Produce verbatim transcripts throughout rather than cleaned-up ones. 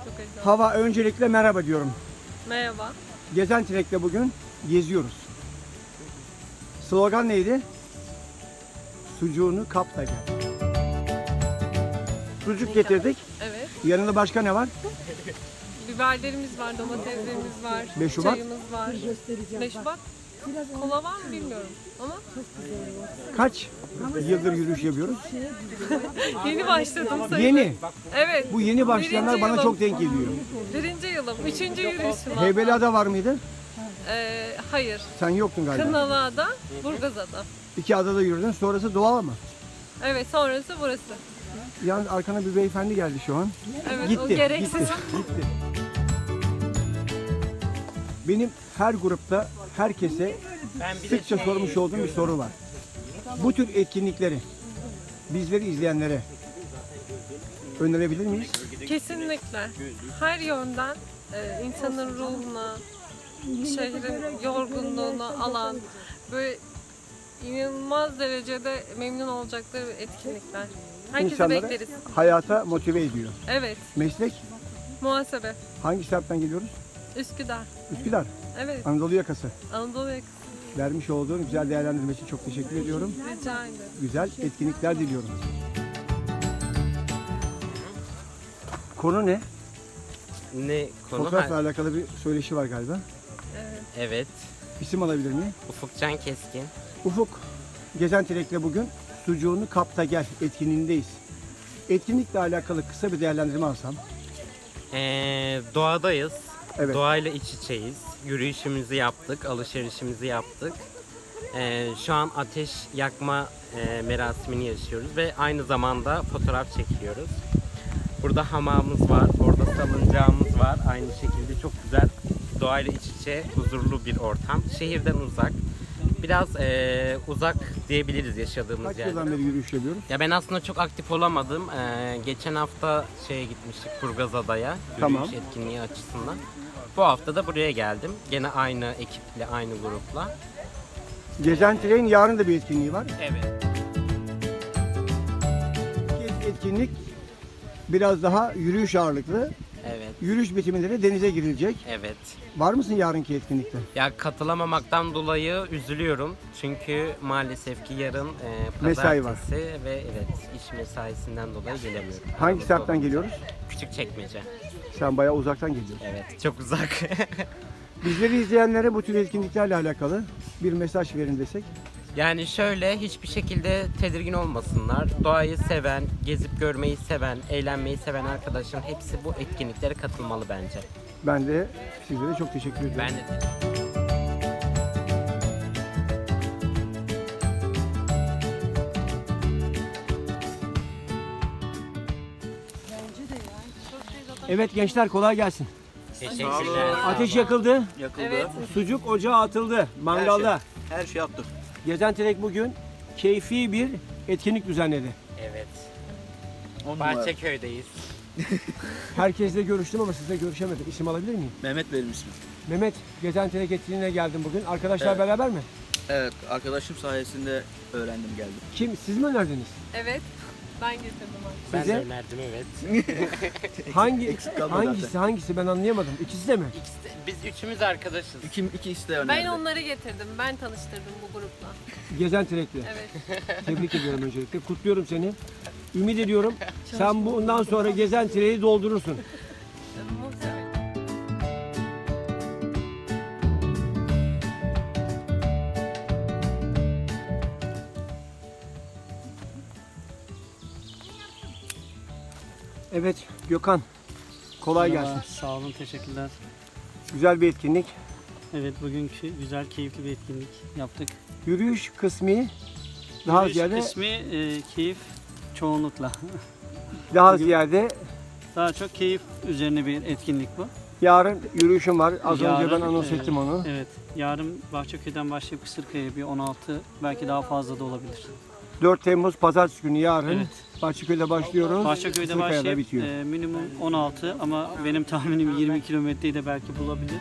Çok heyecanlı. Hava, öncelikle merhaba diyorum. Merhaba. Gezen Trek'te bugün geziyoruz. Slogan neydi? Sucuğunu kap da gel. Sucuk getirdik. Evet. Yanında başka ne var? Biberlerimiz var, domateslerimiz var, beş Şubat. çayımız var. beş Şubat. Kola var mı bilmiyorum ama Kaç yıldır yürüyüş yapıyoruz? yeni başladım sayılır. Yeni. Evet. Bu yeni başlayanlar Birinci bana yılım. çok denk geliyor. Birinci yılım, üçüncü yürüyüşüm. Heybeliada var mıydı? Ee, hayır. Sen yoktun galiba. Kınalıada, Burgazada. İki adada yürüdün. Sonrası doğal mı? Evet, sonrası burası. Yalnız arkana bir beyefendi geldi şu an. Evet, Gitti, o gereksiz. gitti, gitti. Benim her grupta herkese sıkça sormuş olduğum bir soru var. Bu tür etkinlikleri bizleri izleyenlere önerebilir miyiz? Kesinlikle. Her yönden e, insanın ruhuna, şehrin yorgunluğunu alan, böyle inanılmaz derecede memnun olacakları etkinlikler. Herkesi İnsanları bekleriz. hayata motive ediyor. Evet, Meslek muhasebe, hangi semtten geliyoruz? Üsküdar. Üsküdar, Evet, Anadolu yakası. Anadolu yakası. Vermiş olduğun güzel değerlendirme için çok teşekkür ediyorum. Rica ederim. Güzel etkinlikler diliyorum. Konu ne? Ne konu? Fotoğrafla Ha, alakalı bir söyleşi var galiba. Evet. evet. İsim alabilir miyim? Ufukcan Keskin. Ufuk, Gezen Trek'le bugün Sucuğunu Kapta Gel etkinliğindeyiz. Etkinlikle alakalı kısa bir değerlendirme alsam. Ee, doğadayız. Evet. Doğayla iç içeyiz. Yürüyüşümüzü yaptık, alışverişimizi yaptık. Ee, şu an ateş yakma e, merasimini yaşıyoruz ve aynı zamanda fotoğraf çekiliyoruz. Burada hamamımız var, orada salıncağımız var. Aynı şekilde çok güzel, doğayla iç içe, huzurlu bir ortam. Şehirden uzak, biraz e, uzak diyebiliriz yaşadığımız Kaç yerde. yıldan beri yürüyüş yapıyoruz? Ya ben aslında çok aktif olamadım. Ee, geçen hafta şeye gitmiştik Burgazada'ya, yürüyüş Tamam. etkinliği açısından. Bu hafta da buraya geldim. Gene aynı ekiple, aynı grupla. Gezen Trek'in yarın da bir etkinliği var. Evet. İlk etkinlik biraz daha yürüyüş ağırlıklı. Evet. Yürüyüş bitimleri denize girilecek. Evet. Var mısın yarınki etkinlikte? Ya katılamamaktan dolayı üzülüyorum. Çünkü maalesef ki yarın e, Mesai var. pazartesi ve evet iş mesaisinden dolayı gelemiyorum. Hangi semtten geliyoruz? Küçükçekmece. Sen bayağı uzaktan geliyorsun. Evet. Çok uzak. Bizleri izleyenlere bu tür etkinliklerle alakalı bir mesaj verin desek. Yani şöyle hiçbir şekilde tedirgin olmasınlar. Doğayı seven, gezip görmeyi seven, eğlenmeyi seven arkadaşların hepsi bu etkinliklere katılmalı bence. Ben de sizlere çok teşekkür ediyorum. Ben de Evet gençler, kolay gelsin. teşekkürler. Ateş yakıldı, Yakıldı. Evet. sucuk ocağa atıldı, mangalda. Her şey yaptık. Gezen Trek bugün keyfi bir etkinlik düzenledi. Evet. On numara. Bahçeköy'deyiz. Herkesle görüştüm ama sizle görüşemedim. İsim alabilir miyim? Mehmet benim ismim. Mehmet, Gezen Trek etkinliğine geldim bugün. Arkadaşlar Evet. beraber mi? Evet, arkadaşım sayesinde öğrendim geldim. Kim? Siz mi önerdiniz? Evet. Ben getirdim abi. Ben Size? de önerdim evet. Hangi Eksik kalmadı hangisi zaten. hangisi ben anlayamadım. İkisi de mi? İkisi de- biz üçümüz arkadaşız. İki, ikisi de önerdi. Ben onları getirdim. Ben tanıştırdım bu grupla. Gezen Trek'le. Evet. Tebrik ediyorum öncelikle. Kutluyorum seni. Ümit ediyorum sen bundan sonra Gezen Trek'i doldurursun. Muhtemelen. Evet Gökhan. Kolay Merhaba, gelsin. Sağ olun, teşekkürler. Güzel bir etkinlik. Evet, bugünkü güzel, keyifli bir etkinlik yaptık. Yürüyüş kısmı daha Yürüyüş ziyade kısmı e, keyif çoğunlukla. daha bugün- ziyade Daha çok keyif üzerine bir etkinlik bu. yarın yürüyüşüm var. Az önce Yarın, ben anons e, ettim onu. Evet, yarın Bahçeköy'den başlayıp Kısırkaya bir on altı, belki daha fazla da olabilir. dört Temmuz Pazartesi günü yarın Evet. Bahçeköy'de başlıyoruz. Bahçeköy'de Kısırkaya'da başlayıp bitiyor. e, minimum on altı ama benim tahminim yirmi kilometreyi de belki bulabilir.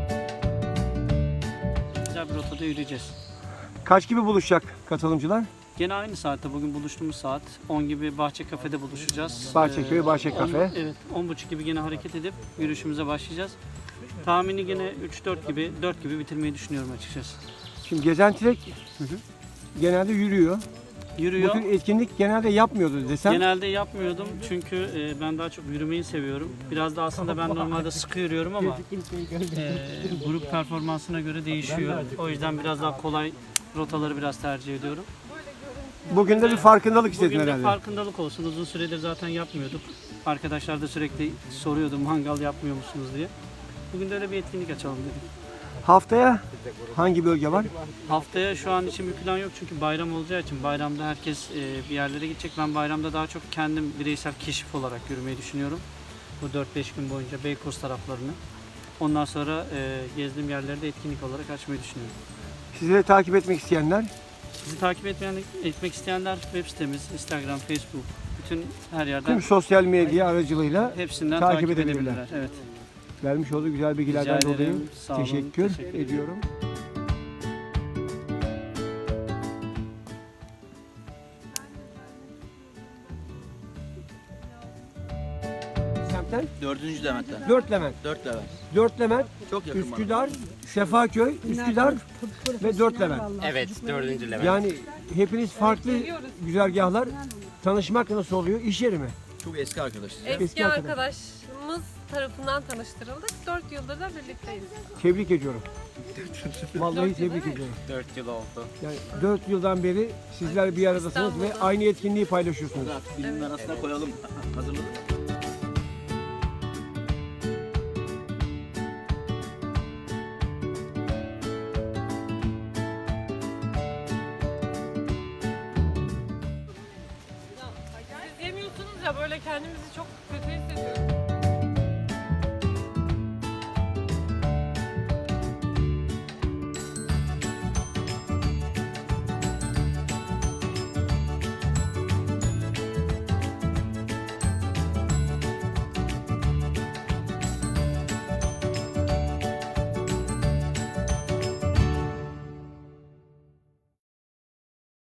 Güzel bir rotada yürüyeceğiz. Kaç gibi buluşacak katılımcılar? Gene aynı saatte, bugün buluştuğumuz saat on gibi Bahçe Kafe'de buluşacağız. Bahçeköy, Ee, Bahçe on- Kafe. Evet, on buçuk gibi gene hareket edip yürüyüşümüze başlayacağız. Tahmini gene üç dört gibi, dört gibi bitirmeyi düşünüyorum açıkçası. Şimdi Gezen Trek genelde yürüyor. Bu Yürüyor. tür etkinlik genelde yapmıyordu desem. Genelde yapmıyordum çünkü e, ben daha çok yürümeyi seviyorum. Biraz da aslında ben normalde sıkı yürüyorum ama e, grup performansına göre değişiyor. O yüzden biraz daha kolay rotaları biraz tercih ediyorum. Bugün de bir farkındalık istedin Bugün de herhalde. farkındalık olsun. Uzun süredir zaten yapmıyorduk. Arkadaşlar da sürekli soruyordu mangal yapmıyor musunuz diye. Bugün de öyle bir etkinlik açalım dedik. Haftaya hangi bölge var? Haftaya şu an için bir plan yok çünkü bayram olacağı için bayramda herkes e, bir yerlere gidecek. Ben bayramda daha çok kendim bireysel keşif olarak yürümeyi düşünüyorum. Bu dört beş gün boyunca Beykoz taraflarını. Ondan sonra e, gezdiğim yerleri de etkinlik olarak açmayı düşünüyorum. Sizleri takip etmek isteyenler Bizi takip etmeyen, etmek isteyenler web sitemiz, Instagram, Facebook, bütün her yerden tüm sosyal medya aracılığıyla hepsinden takip takip, edebilirler. edebilirler. Evet. vermiş olduğu güzel bilgilerden Rica ederim. dolayı Sağ olun. teşekkür, Teşekkür ederim. ediyorum. Semtten Dördüncü Levent'ten. dört Levent. Dört Levent. dört Levent, Çok yakın bana. Üsküdar, Sefaköy, Üsküdar ve dört Levent. Evet, dördüncü Levent. Yani hepiniz farklı güzergahlar. Tanışmak nasıl oluyor? İş yeri mi? Çok eski arkadaşız. Eski, Eski arkadaş. arkadaşımız tarafından tanıştırıldık. dört yıldır da birlikteyiz. Tebrik ediyorum. Vallahi Dört yıl tebrik değil mi? ediyorum. dört yıl oldu. Yani dört yıldan beri sizler bir aradasınız ve İstanbul'da. aynı etkinliği paylaşıyorsunuz. Artık filmin arasına koyalım. Hazırladık. Siz yemiyorsunuz ya, böyle kendimizi çok kötü hissediyoruz.